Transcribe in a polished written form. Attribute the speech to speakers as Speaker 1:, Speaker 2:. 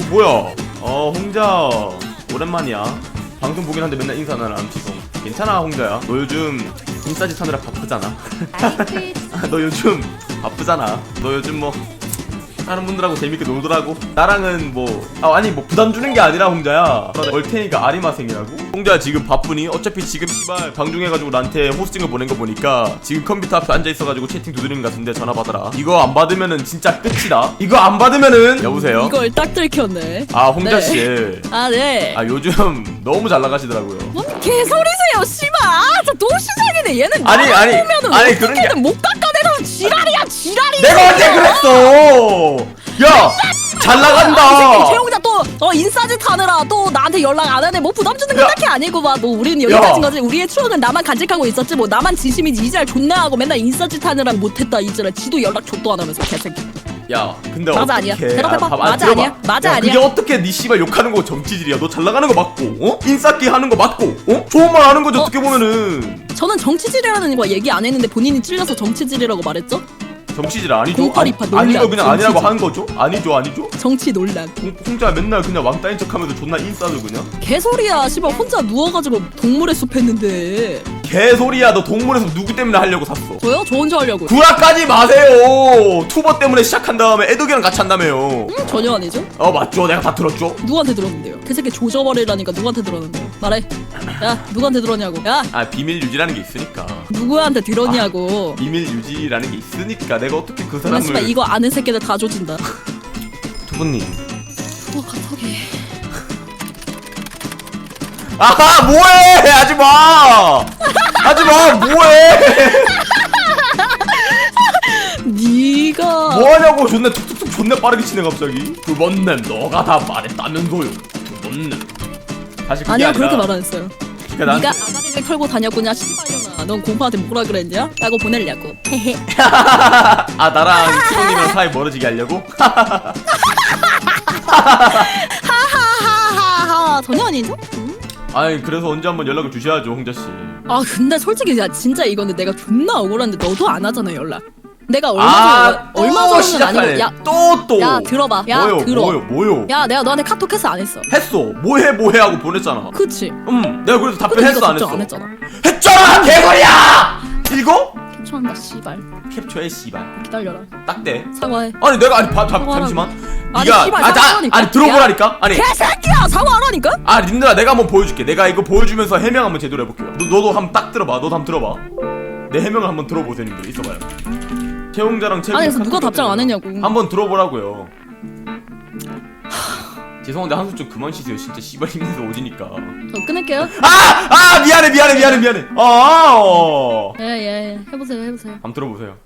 Speaker 1: 뭐야? 홍자 오랜만이야. 방송 보긴 한데 맨날 인사는 안 치고. 괜찮아 홍자야. 너 요즘 인싸짓 하느라 바쁘잖아. 너 요즘 바쁘잖아. 너 요즘 뭐 다른 분들하고 재밌게 놀더라고. 나랑은 뭐 아니 뭐 부담 주는 게 아니라 홍자야. 얼테니가 아리마생이라고? 홍자야 지금 바쁘니? 어차피 지금 씨발 방중해가지고 나한테 호스팅을 보낸 거 보니까 지금 컴퓨터 앞에 앉아있어가지고 채팅 두드리는 것 같은데 전화 받아라. 이거 안 받으면은 진짜 끝이다. 이거 안 받으면은 여보세요?
Speaker 2: 이걸 딱 들켰네.
Speaker 1: 아 홍자씨.
Speaker 2: 아 네.
Speaker 1: 아 요즘 너무 잘 나가시더라고요.
Speaker 2: 뭔 개소리세요 씨발. 또 시작이네. 얘는
Speaker 1: 아니
Speaker 2: 보면은
Speaker 1: 그런 게
Speaker 2: 어떻게든 못 깎아내서 지랄이야 지랄이.
Speaker 1: 내가 언제 그랬어? 야 잘 나간다.
Speaker 2: 최용자 또 인싸짓 하느라 또 나한테 연락 안 하네. 뭐 부담 주는 건
Speaker 1: 야.
Speaker 2: 딱히 아니고 막 뭐 우리는 여기까지인 거지. 우리의 추억은 나만 간직하고 있었지. 뭐 나만 진심이지. 이지랄 존나 하고 맨날 인싸짓 하느라 못했다. 이지랄 지도 연락 줬도 안 하면서 개새끼.
Speaker 1: 야 근데
Speaker 2: 맞아,
Speaker 1: 어떡해.
Speaker 2: 아니야. 대답해봐.
Speaker 1: 봐봐,
Speaker 2: 맞아,
Speaker 1: 들어봐.
Speaker 2: 아니야. 맞아,
Speaker 1: 야,
Speaker 2: 아니야.
Speaker 1: 그게 어떻게 네 씨발 욕하는 거 정치질이야. 너 잘 나가는 거 맞고 인싸끼 하는 거 맞고 좋은 말 하는 거지. 어떻게 보면은
Speaker 2: 저는 정치질이라는 거 얘기 안 했는데 본인이 찔려서 정치질이라고 말했죠?
Speaker 1: 정치질 아니죠?
Speaker 2: 공팔이파 논란,
Speaker 1: 아니면 그냥 아니라고
Speaker 2: 정치질.
Speaker 1: 하는 거죠? 아니죠?
Speaker 2: 정치 논란.
Speaker 1: 홍자 맨날 그냥 왕따인 척하면서 존나 인싸도 그냥
Speaker 2: 개소리야. 씨발 혼자 누워가지고 동물의 숲 했는데.
Speaker 1: 개소리야. 너 동물에서 누구 때문에 하려고 샀어?
Speaker 2: 저요? 저 혼자 하려고.
Speaker 1: 구라까지 마세요. 투버 때문에 시작한 다음에 애덕이랑 같이 한다며요.
Speaker 2: 전혀 아니죠?
Speaker 1: 맞죠. 내가 다 들었죠.
Speaker 2: 누구한테 들었는데요? 그 새끼 조져버리라니까 누구한테 들었는데요? 말해. 야 누구한테 들었냐고. 야
Speaker 1: 비밀 유지라는 게 있으니까.
Speaker 2: 누구한테 들었냐고.
Speaker 1: 비밀 유지라는 게 있으니까 내가 어떻게 그
Speaker 2: 정말
Speaker 1: 사람을.
Speaker 2: 씨발 이거 아는 새끼들 다 조진다.
Speaker 1: 투부님.
Speaker 2: 갑자기.
Speaker 1: 아하 뭐해. 하지마. 하지마 뭐해.
Speaker 2: 니가
Speaker 1: 뭐하냐고. 존나 툭툭툭 존나 빠르게 치네 갑자기. 투번님 너가 다 말했다면서요. 투번님. 사실 그게
Speaker 2: 아니야
Speaker 1: 아니라
Speaker 2: 그렇게 말 안 했어요.
Speaker 1: 그러니까
Speaker 2: 니가 아가리를 털고 다녔구냐 씨발년아. 넌 공파한테 뭐라 그랬냐? 라고 보내려고. 헤헤.
Speaker 1: 나랑 투부님이랑 사이 멀어지게 하려고?
Speaker 2: 하하하하하. 전혀 아니죠?
Speaker 1: 아니 그래서 언제 한번 연락을 주셔야죠 홍자씨.
Speaker 2: 아 근데 솔직히 야 진짜 이거는 내가 존나 억울한데 너도 안 하잖아 연락. 내가
Speaker 1: 또
Speaker 2: 얼마 전은
Speaker 1: 시작하네.
Speaker 2: 아니고 야
Speaker 1: 또
Speaker 2: 야 들어봐. 야
Speaker 1: 뭐요
Speaker 2: 들어.
Speaker 1: 뭐요
Speaker 2: 야 내가 너한테 카톡 했어 안 했어?
Speaker 1: 했어. 뭐해 하고 보냈잖아.
Speaker 2: 그치?
Speaker 1: 내가 그래서
Speaker 2: 근데
Speaker 1: 답변했어
Speaker 2: 네가
Speaker 1: 안 했어?
Speaker 2: 답장 안 했잖아.
Speaker 1: 했잖아 개소리야. 이거?
Speaker 2: 캡처한다 씨발.
Speaker 1: 캡처해 씨발.
Speaker 2: 기다려라.
Speaker 1: 딱대.
Speaker 2: 사과해.
Speaker 1: 아니 내가 아니
Speaker 2: 사과하라고.
Speaker 1: 잠시만.
Speaker 2: 아니,
Speaker 1: 네가
Speaker 2: 씨발, 사과하라니까.
Speaker 1: 아니 들어보라니까. 아니
Speaker 2: 개새끼야 사과하라니까?
Speaker 1: 님들아 내가 한번 보여줄게. 내가 이거 보여주면서 해명 한번 제대로 해볼게요. 너도 한번 딱 들어봐. 너도 한번 들어봐. 내 해명을 한번 들어보세요 님들. 있어봐요. 채용자랑 채용.
Speaker 2: 아니 그래서 누가 답장 안 했냐고.
Speaker 1: 한번 들어보라고요. 죄송한데 한숨 좀 그만 쉬세요. 진짜 씨발 힘내서 오지니까.
Speaker 2: 저 끊을게요.
Speaker 1: 미안해.
Speaker 2: 예예 해보세요.
Speaker 1: 한번 들어보세요.